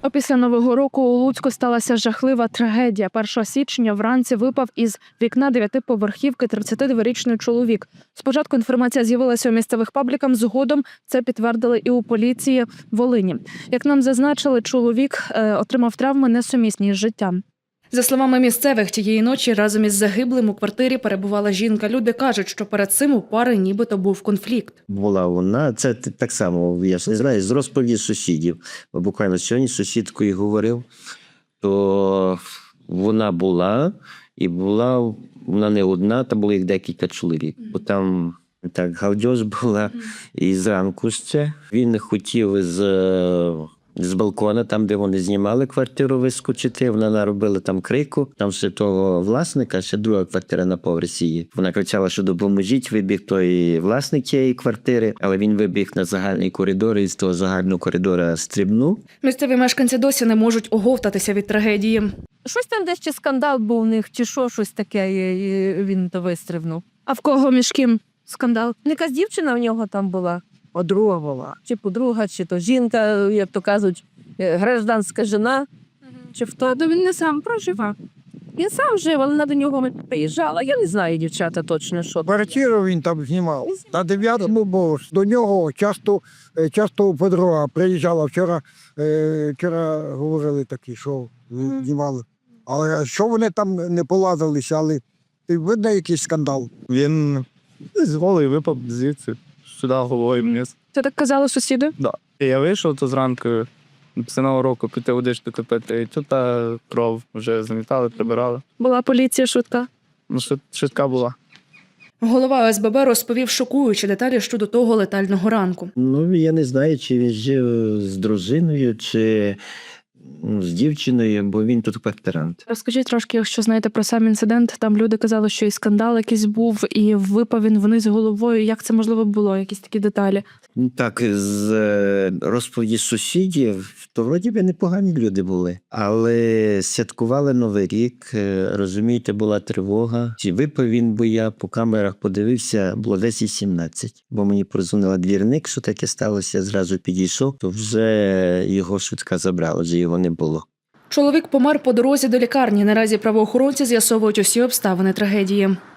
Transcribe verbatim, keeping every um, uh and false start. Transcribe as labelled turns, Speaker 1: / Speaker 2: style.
Speaker 1: Опісля Нового року у Луцьку сталася жахлива трагедія. першого січня вранці випав із вікна дев'ятиповерхівки тридцятидворічний чоловік. Спочатку інформація з'явилася у місцевих пабліках, згодом це підтвердили і у поліції Волині. Як нам зазначили, чоловік е, отримав травми несумісні з життям. За словами місцевих, тієї ночі разом із загиблим у квартирі перебувала жінка. Люди кажуть, що перед цим у пари нібито був конфлікт.
Speaker 2: Була вона, це так само, я ж не знаю, з розповіді сусідів. Буквально сьогодні з сусідкою говорив, то вона була, і була вона не одна, там було їх декілька чоловік. Бо там так галдьоз була, і зранку ще. Він хотів з... з балкона, там, де вони знімали квартиру, вискочити. Вона наробила там крику. Там ще того власника, ще друга квартира на поверсі є. Вона кричала, що допоможіть, вибіг той власник тієї квартири, але він вибіг на загальний коридор і з того загального коридора стрибнув.
Speaker 1: Місцеві мешканці досі не можуть оговтатися від трагедії.
Speaker 3: Щось там десь чи скандал був у них, чи що, щось таке, і він то вистрибнув.
Speaker 1: А в кого між ким скандал?
Speaker 3: Якась дівчина в нього там була, подруга була. Чи подруга, чи то жінка, як то кажуть, гражданська жена, чи хто.
Speaker 1: То він не сам проживав.
Speaker 3: Він сам жив, але вона до нього приїжджала. Я не знаю, дівчата, точно, що.
Speaker 4: Квартиру він там знімав. На дев'ятому поверсі. До нього часто, е, часто подруга приїжджала. Вчора, е, вчора говорили такі, що знімали. Але що вони там не поладилися, але видно якийсь скандал.
Speaker 5: Він з голий випав звідси, сюди головою вниз.
Speaker 1: Це так казали сусіди?
Speaker 5: Да. І я вийшов, то зранку після Нового року піти водички купити, і тут та кров вже замітали, прибирали.
Speaker 1: Була поліція, швидка.
Speaker 5: Ну, швид- швидка була.
Speaker 1: Голова О С Б Б розповів шокуючі деталі щодо того летального ранку.
Speaker 2: Ну, я не знаю, чи він жив з дружиною, чи ну, з дівчиною, бо він тут квартирант.
Speaker 1: Розкажіть трошки, якщо знаєте про сам інцидент. Там люди казали, що і скандал якийсь був, і випав він вниз головою. Як це можливо було? Якісь такі деталі?
Speaker 2: Ну, так, з е, розповіді сусідів, то вроді би непогані люди були. Але святкували Новий рік, е, розумієте, була тривога. Чи випив він, бо я по камерах подивився, було десять сімнадцять. Бо мені прозвонила двірник, що таке сталося, я зразу підійшов, то вже його швидка забрала, вже його не було.
Speaker 1: Чоловік помер по дорозі до лікарні. Наразі правоохоронці з'ясовують усі обставини трагедії.